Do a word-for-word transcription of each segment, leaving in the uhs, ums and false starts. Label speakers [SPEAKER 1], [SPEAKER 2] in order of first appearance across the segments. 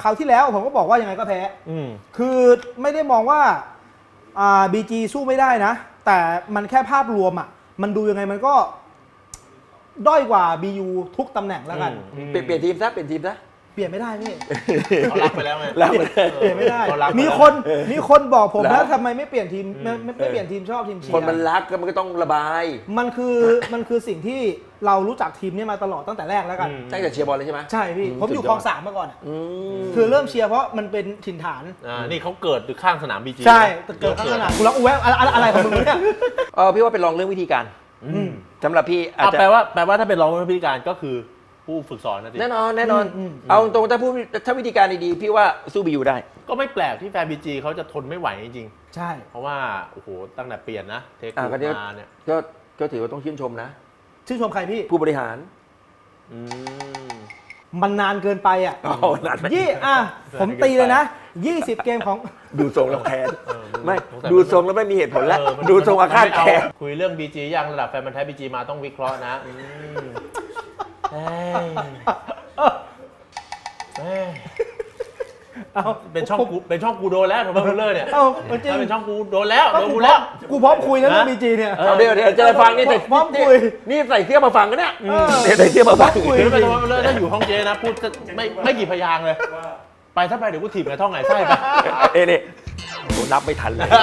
[SPEAKER 1] คราวที่แล้วผมก็บอกว่ายังไงก็แพ้คือไม่ได้มองว่าอ่าบีจีสู้ไม่ได้นะแต่มันแค่ภาพรวมอ่ะมันดูยังไงมันก็ด้อยกว่า บี ยู ทุกตำแหน่งแล้วกัน
[SPEAKER 2] เปลี่ยนเปลี่ยนทีมซะเปลี่ยนทีมซะ
[SPEAKER 1] เปลี่ยนไม่ได้พี่
[SPEAKER 3] เขารับไปแล้วไง
[SPEAKER 1] เปลี่ยนไม่ได้มีคนมีคนบอกผมแล้วทำไมไม่เปลี่ยนทีมไม่ไม่เปลี่ยนทีมชอบทีมเชียร์
[SPEAKER 2] คนมันรักก็มันก็ต้องระบาย
[SPEAKER 1] มันคือมันคือสิ่งที่เรารู้จักทีมนี้มาตลอดตั้งแต่แรกแล้วกัน
[SPEAKER 2] ตั้งแต่เชียร์บอลเลยใช่ไหม
[SPEAKER 1] ใช่พี่ผมอยู่คลองสามมาก่อนคือเริ่มเชียร์เพราะมันเป็นถิ่นฐาน
[SPEAKER 3] อ่านี่เขาเกิดอยู่ข้างสนามบีจี
[SPEAKER 1] ใช่เกิดข้างสนามกูรักอูแวะอะไรของมึงเนี่ย
[SPEAKER 2] เออพี่ว่าเป็นลองเรื่องวิธีการสำหรับพี่อาจจะ
[SPEAKER 3] แปลว่าแปลว่าถ้าเป็นรองวิธีการก็คือผู้ฝึกสอนนะสิ
[SPEAKER 2] แน่นอนแน่นอนเอาตรงถ้าพูดถ้าวิธีการดีๆพี่ว่าสู้บียูได้
[SPEAKER 3] ก็ไม่แปลกที่แฟนบีจีเขาจะทนไม่ไหวจริง
[SPEAKER 1] ๆใช่
[SPEAKER 3] เพราะว่าโอ้โหตั้งแต่เปลี่ยนนะเทคโอมาเนี่ย
[SPEAKER 2] ก็ก็ถือว่าต้องชื่นชมนะ
[SPEAKER 1] ชื่นชมใครพี่
[SPEAKER 2] ผู้บริหาร
[SPEAKER 1] มันนานเกินไปอ่ะยี่อ่ะผมตีเลยนะยี่สิบเกมของ
[SPEAKER 2] ดูทรงแล้วแค้นไม่ดูทรงแล้วไม่มีเหตุผลแล้วดูทรงอาฆาตแค้น
[SPEAKER 3] คุยเรื่องบีจียังระดับแฟนมันแท้บีจีมาต้องวิเคราะห์นะเป็นช่องกูเป็นช่องกูโดนแล้วโทมัสมุลเลอร์เนี่ยถ้าเป็นช่องกูโดนแล้วโดนกูแล้ว
[SPEAKER 1] กูพร้อมคุยแล้วเรื่องบีจีเนี่ย
[SPEAKER 2] เดี๋ยวเดี๋ยวจะฟังนี่
[SPEAKER 1] พร้อมคุย
[SPEAKER 2] นี่ใส่เสื้อมาฟังกันเนี่ยใส่เสื้อมาฟัง
[SPEAKER 3] คุยไม่เป็นโทมัสมุลเลอร์ถ้าอยู่ห้องเจนะพูดไม่ไม่กี่พยางเลยไปถ้าไปเดี๋ยวกูถีบในท้องไหนไส้ไป
[SPEAKER 2] เอ้นี่กูนับไม่ทันเลย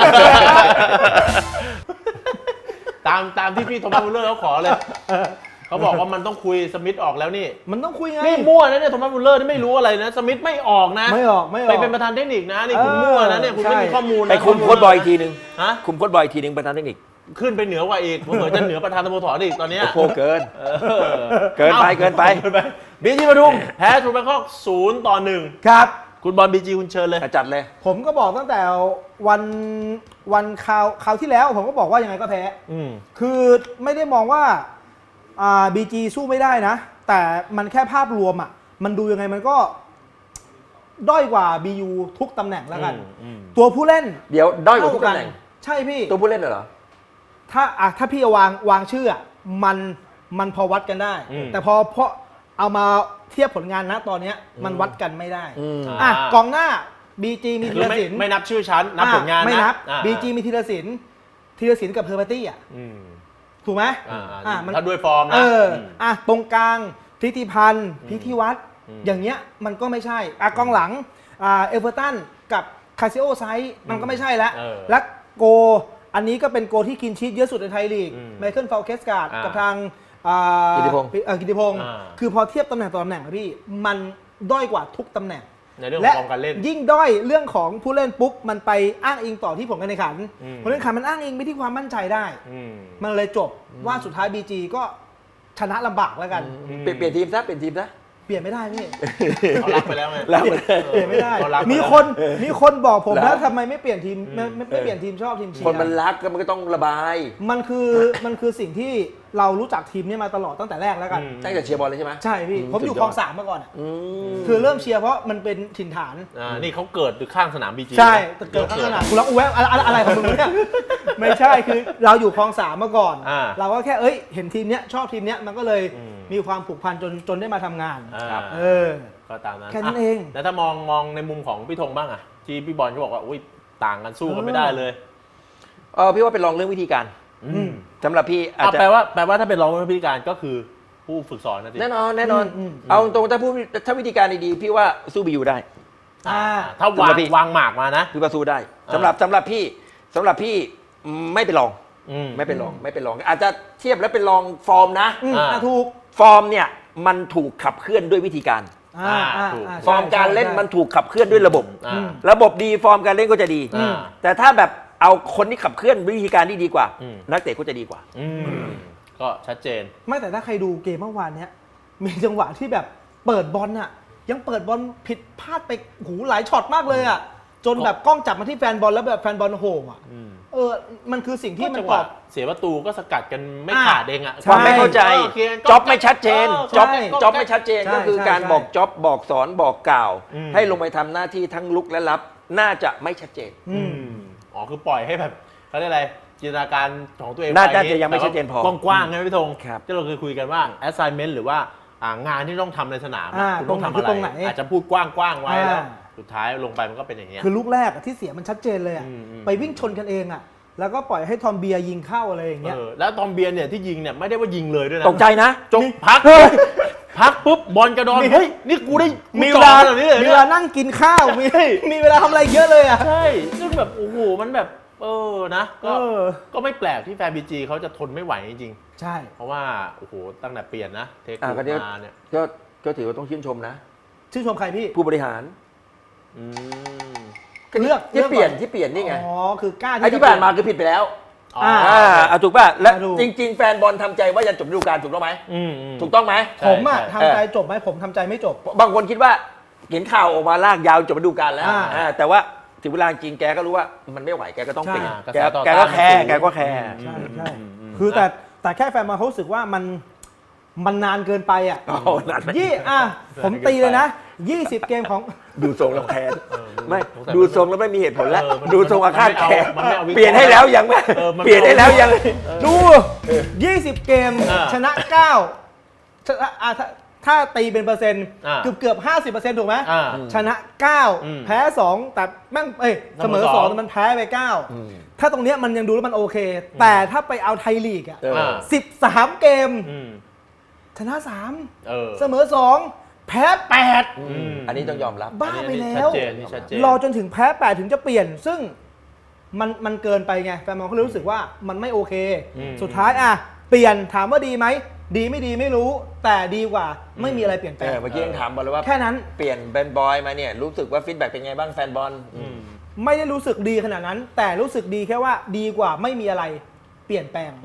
[SPEAKER 3] ตามตามที่พี่โทมัสมุลเลอร์เขาขอเลยเขาบอกว่ามันต้องคุยสมิธออกแล้วนี่
[SPEAKER 1] มันต้องคุยไง
[SPEAKER 3] นี่มั่วนะเนี่ยโทมัสมุลเลอร์ที่ไม่รู้อะไรนะสมิธไม่ออกนะ
[SPEAKER 1] ไม่ออกไม่ออก
[SPEAKER 3] ไปเป็นประธานเทคนิคนะนี่คุณมั่วนะเนี่ยคุณไม่มีข้อมูล
[SPEAKER 2] ไปคุมโค้ชบอยทีนึงฮะคุมโค้ชบอยทีนึงประธานเทคนิค
[SPEAKER 3] ขึ้นไปเหนือกว่าอีกผมเหมือนจะเหนือประธานสโมสรอีกตอนนี้
[SPEAKER 2] โอ้เกินเกินไปเกินไป
[SPEAKER 3] บีจีปทุมแพ้ทูแบงคอกศูนย์ต่อหนึ่ง
[SPEAKER 1] ครับ
[SPEAKER 3] คุณบอลบีจีคุณเชิญเลย
[SPEAKER 2] จัดเลย
[SPEAKER 1] ผมก็บอกตั้งแต่วันวันคราวคราวที่แล้วผมก็บอกว่ายังไงก็แพ้คือไม่ได้มองว่าอ่าบีจีสู้ไม่ได้นะแต่มันแค่ภาพรวมอ่ะมันดูยังไงมันก็ด้อยกว่า บี ยู ทุกตำแหน่งแล้วกันตัวผู้เล่น
[SPEAKER 2] เดี๋ยวด้อยกว่าทุกตำแหน่ง
[SPEAKER 1] ใช่พี่
[SPEAKER 2] ตัวผู้เล่นเหรอ
[SPEAKER 1] ถ้าอ่ะถ้าพี่วางวางชื่อมันมันพอวัดกันได้แต่พอเพราะเอามาเทียบผลงานนะตอนนี้มันวัดกันไม่ได้อ่ะกองหน้า บี จี มีธีรศิลป์
[SPEAKER 3] ไม่นับชื่อชั้นนับผลงานนะ
[SPEAKER 1] ไม่นับ บี จี มีธีรศิลป์ธีรศิลป์กับเพอร์เบตี้อ่ะถูกไหม
[SPEAKER 3] อ่าถ้าด้วยฟอร์มนะ
[SPEAKER 1] เอออ่ะตรงกลางทิติพันธ์พิธีวัฒน์อย่างเงี้ยมันก็ไม่ใช่อ่ะกองหลังอ่าเอเวอร์ตันกับคาซิโอไซส์มันก็ไม่ใช่แล้วและโกอันนี้ก็เป็นโกที่กินชีสเยอะสุดในไทยลีกไมเคิลฟาวเคสการ์ดกับทาง
[SPEAKER 2] กิติพงศ์
[SPEAKER 1] กิติพงศ์คือพอเทียบตำแหน่งต่อตำแหน่งนะพี่มันด้อยกว่าทุกตำแหน่ง
[SPEAKER 3] ในเรื่องของการเล่น
[SPEAKER 1] ยิ่งด้อยเรื่องของผู้เล่นปุ๊บมันไปอ้างอิงต่อที่ผลการแข่งขันผลการแข่งขันมันอ้างอิงไปที่ความมั่นใจได้มันเลยจบว่าสุดท้าย บี จี ก็ชนะลำบากแล้วกัน
[SPEAKER 2] เปลี่ยนเปลี่ยนทีมซะเปลี่ยนทีมซะ
[SPEAKER 1] เปลี่ยนไม่ได้พี่
[SPEAKER 3] เขารับไปแล้วไง
[SPEAKER 1] เปลี่ยนไม่ได้มีคนมีคนบอกผมแล้วทำไมไม่เปลี่ยนทีมไม่ไม่เปลี่ยนทีมชอบทีมเชียร์
[SPEAKER 2] คนมันรักก็มันก็ต้องระบาย
[SPEAKER 1] มันคือมันคือสิ่งที่เรารู้จักทีมนี้มาตลอดตั้งแต่แรกแล้วกัน
[SPEAKER 2] ตั้งแต่เชียร์บอลเลยใช่ไหม
[SPEAKER 1] ใช่พี่ผมอยู่คลองสามมาก่อนคือเริ่มเชียร์เพราะมันเป็นถิ่นฐาน
[SPEAKER 3] อ่านี่เขาเกิดอยู่ข้างสนามบีจี
[SPEAKER 1] ใช่เกิดข้างสนามกูรักอูแวะอะไรของมึงเนี่ยไม่ใช่คือเราอยู่คลองสามมาก่อนเราก็แค่เอ้ยเห็นทีมเนี้ยชอบทีมเนี้ยมันก็เลยมีความผูกพันจนจนได้มาทำงานเออ
[SPEAKER 3] ก็ตามนั้น
[SPEAKER 1] แค่นั้นเอง
[SPEAKER 3] แล้วถ้ามองมองในมุมของพี่ธงบ้างอะที่พี่บอลเขาบอกว่าอุ้ยต่างกันสู้กันไม่ได้เลย
[SPEAKER 2] เออพี่ว่าเป็นลองเรื่องวิธีการสำหรับพี่อาจจะ
[SPEAKER 3] แปลว่าแปลว่าถ้าเป็นรองวิธีการก็คือผู้ฝึกสอนนะสิ
[SPEAKER 2] แน่นอนแน่นอนเอาตรงถ้าพูดถ้าวิธีการดีๆพี่ว่าสู้บียูได้
[SPEAKER 3] ถ้าวางวางหมากมานะ
[SPEAKER 2] พี่ว่าสู้ได้สำหรับสำหรับพี่สำหรับพี่ไม่เป็นรองไม่เป็นรองไม่เป็นรองอาจจะเทียบแล้วเป็นรองฟอร์มนะ
[SPEAKER 1] ถูก
[SPEAKER 2] ฟอร์มเนี่ยมันถูกขับเคลื่อนด้วยวิธีการฟอร์มการเล่นมันถูกขับเคลื่อนด้วยระบบระบบดีฟอร์มการเล่นก็จะดีแต่ถ้าแบบเอาคนที่ขับเคลื่อนวิธีการที่ดีกว่านักเตะก็จะดีกว่า
[SPEAKER 3] ก็ชัดเจน
[SPEAKER 1] ไม่แต่ถ้าใครดูเกมเมื่อวานเนี้ยมีจังหวะที่แบบเปิดบอลน่ะยังเปิดบอลผิดพลาดไปหูหลายช็อตมากเลยอ่ะจนแบบกล้องจับมาที่แฟนบอลแล้วแบบแฟนบอลโหมอ่ะเออมันคือสิ่งที่มันตอบ
[SPEAKER 3] เสียประตูก็สกัดกันไม่ขาดเองอ่ะ
[SPEAKER 2] ความไม่เข้าใจจ็อบไม่ชัดเจนจ็อบจ็อบไม่ชัดเจนก็คือการบอกจ็อบบอกสอนบอกกล่าวให้ลงไปทำหน้าที่ทั้งลุกและรับน่าจะไม่ชัดเจน
[SPEAKER 3] อ๋อคือปล่อยให้แบบเขาเรียกอะไรจินตนาการของตัวเอง
[SPEAKER 2] น่าจะยังไม่ชัดเจนพอก
[SPEAKER 3] ว้างๆไงพี่ธงที่เราเคยคุยกันว่า assignment หรือว่าอ่างานที่ต้องทำในสนาม
[SPEAKER 1] อ่า
[SPEAKER 3] คุณต้องทำ
[SPEAKER 1] ตรง
[SPEAKER 3] อะไร
[SPEAKER 1] ไหน
[SPEAKER 3] อาจจะพูดกว้างๆไว้แล้ว
[SPEAKER 1] อ่า
[SPEAKER 3] สุดท้ายลงไปมันก็เป็นอย่างเงี้ย
[SPEAKER 1] คือลูกแรกอะที่เสียมันชัดเจนเลยอะ
[SPEAKER 3] อืมอืม
[SPEAKER 1] ไปวิ่งชนกันเองอะแล้วก็ปล่อยให้ทอมเบียร์ยิงเข้าอะไรอย่างเงี้ย
[SPEAKER 3] เออแล้วตอมเบียร์เนี่ยที่ยิงเนี่ยไม่ได้ว่ายิงเลยด้วยนะ
[SPEAKER 2] ตกใจนะ
[SPEAKER 3] จงพักพักปุ๊บบอลกระดอน
[SPEAKER 1] มี
[SPEAKER 3] เฮ้ยนี่กูได้
[SPEAKER 1] มี
[SPEAKER 3] กู
[SPEAKER 1] เว
[SPEAKER 3] จ่อ
[SPEAKER 1] ลา
[SPEAKER 3] ขนาดนี้เลย
[SPEAKER 1] มี
[SPEAKER 3] เนี่
[SPEAKER 1] เวย ลานั่งกินข้าวมีมีเวลาทำอะไรเยอะเลยอะ
[SPEAKER 3] ใช่ซึ่งแบบโอ้โหมันแบบเออนะก็
[SPEAKER 1] เออ
[SPEAKER 3] ก็ไม่แปลกที่แฟนบีจีเขาจะทนไม่ไหวจริง
[SPEAKER 1] ใช่
[SPEAKER 3] ๆเพราะว่าโอ้โหตั้งแต่เปลี่ยนนะเทค
[SPEAKER 2] อ่าก็เดี๋ยว
[SPEAKER 3] มาเนี่ย
[SPEAKER 2] ก็ก็ถือว่าต้องชื่นชมนะ
[SPEAKER 1] ชื่นชมใครพี่
[SPEAKER 2] ผู้บริหาร
[SPEAKER 3] อืม
[SPEAKER 1] เลือก
[SPEAKER 2] ที่เปลี่ยน
[SPEAKER 1] ก่อ
[SPEAKER 2] ที่เปลี่ยนนี่ไง
[SPEAKER 1] อ๋อคือกล้าที่
[SPEAKER 2] ไอ้ที่
[SPEAKER 1] จะ
[SPEAKER 2] ผ่านมาคือผิดไปแล้ว
[SPEAKER 3] อ๋อ
[SPEAKER 1] อ่า
[SPEAKER 2] อ่าเอาถูกป่ะและ
[SPEAKER 1] ถูก
[SPEAKER 2] จริง ๆ แฟนบอลทำใจว่าจะจบฤดูกาลถูกต้องไหม
[SPEAKER 3] อืมอืม
[SPEAKER 2] ถูกต้องไหม
[SPEAKER 3] ใช่
[SPEAKER 1] ผมอะ
[SPEAKER 3] ใช่
[SPEAKER 1] ทำใจจบไหมผมทำใจไม่จบ
[SPEAKER 2] บางคนคิดว่าเห็นข่าวออกมาลากยาวจบฤดูกาลแล้ว
[SPEAKER 1] อ่า
[SPEAKER 2] อ่าแต่ว่าถึงเวลาจริงแกก็รู้ว่ามันไม่ไหวแกก็ต้อง
[SPEAKER 1] ใช่
[SPEAKER 2] เปลี่ยน
[SPEAKER 3] กระ
[SPEAKER 2] แก
[SPEAKER 3] แสต่อ
[SPEAKER 2] แกก็
[SPEAKER 3] ต้าน
[SPEAKER 2] แคร์
[SPEAKER 3] มันสูง
[SPEAKER 2] แกก็แคร์
[SPEAKER 1] ใช่
[SPEAKER 3] อืม
[SPEAKER 1] ใช่
[SPEAKER 3] อืมอืม
[SPEAKER 1] คือแต่แต่แค่แฟนมาเขารู้สึกว่ามันมันนานเกินไปอ่ะ
[SPEAKER 2] อ๋อนั่น
[SPEAKER 1] ยี่อ่ะผมตีเลยนะยี่สิบเกมของ
[SPEAKER 2] ดูทรงแล้วแคร์
[SPEAKER 3] เออ
[SPEAKER 2] ไม่
[SPEAKER 3] สงสัย
[SPEAKER 2] ดูทรงแล้วไม่มีเหตุผลแล้ว
[SPEAKER 3] เออมัน
[SPEAKER 2] ดูทรงอาฆาตแคร์
[SPEAKER 3] มันไม่เอาวิเคราะห์
[SPEAKER 2] เปลี่ยนให้แล้วยังไม่
[SPEAKER 3] เออมันไม่
[SPEAKER 2] เปลี่ยนให้แล้วยัง
[SPEAKER 1] ดูยี่สิบเกม
[SPEAKER 3] อ่า
[SPEAKER 1] ชนะเก้าชนะอ่ะถ้าถ้าตีเป็นเปอร์เซ็นต์
[SPEAKER 3] อ่า
[SPEAKER 1] เกือบเกือบห้าสิบเปอร์เซ็นต์ถูกไหม
[SPEAKER 3] อ่า
[SPEAKER 1] ชนะเก้า
[SPEAKER 3] อืม
[SPEAKER 1] แพ้สองแต่แม่งเอ้ยเสมอ
[SPEAKER 3] เสมอ
[SPEAKER 1] ส
[SPEAKER 3] ส
[SPEAKER 1] อ
[SPEAKER 3] อง ง
[SPEAKER 1] แต่มันแพ้ไปเก้า
[SPEAKER 2] อืม
[SPEAKER 1] ถ้าตรงเนี้ยมันยังดูแล้วมันโอเค แต่ถ้าไปเอาไทยลีกอ่ะ
[SPEAKER 2] เออ
[SPEAKER 3] อ่า
[SPEAKER 1] สิบสามเกม
[SPEAKER 3] อืม
[SPEAKER 1] ชนะสาม
[SPEAKER 3] เออ
[SPEAKER 1] เสมอสองแพ้แปด
[SPEAKER 3] อืม
[SPEAKER 2] อันนี้ต้องยอมรับ
[SPEAKER 1] บ้าไป
[SPEAKER 3] อันนี้
[SPEAKER 1] แล้ว
[SPEAKER 3] ชัดเจนนี่ชัดเจน
[SPEAKER 1] รอจนถึงแพ้แปดถึงจะเปลี่ยน ซึ่งมันมันเกินไปไงแฟนบอลเขาเลยรู้สึกว่ามันไม่โอเค
[SPEAKER 3] อืม
[SPEAKER 1] สุดท้ายอ่ะเปลี่ยนถามว่าดีไหม ดีไม่ดีไม่รู้ แต่ดีกว่าไม่มีอะไรเปลี่ยนแปล
[SPEAKER 2] เอง อเมื่อกี้ยังถามบอลเลยว่า
[SPEAKER 1] แค่นั้น
[SPEAKER 2] เปลี่ยนแบนบอยมาเนี่ยรู้สึกว่าฟีดแบ็กเป็นไงบ้างแฟนบอล
[SPEAKER 3] อืม
[SPEAKER 1] ไม่ได้รู้สึกดีขนาดนั้น แต่รู้สึกดีแค่ว่าดีกว่าไม่มีอะไรเปลี่ยนแปลง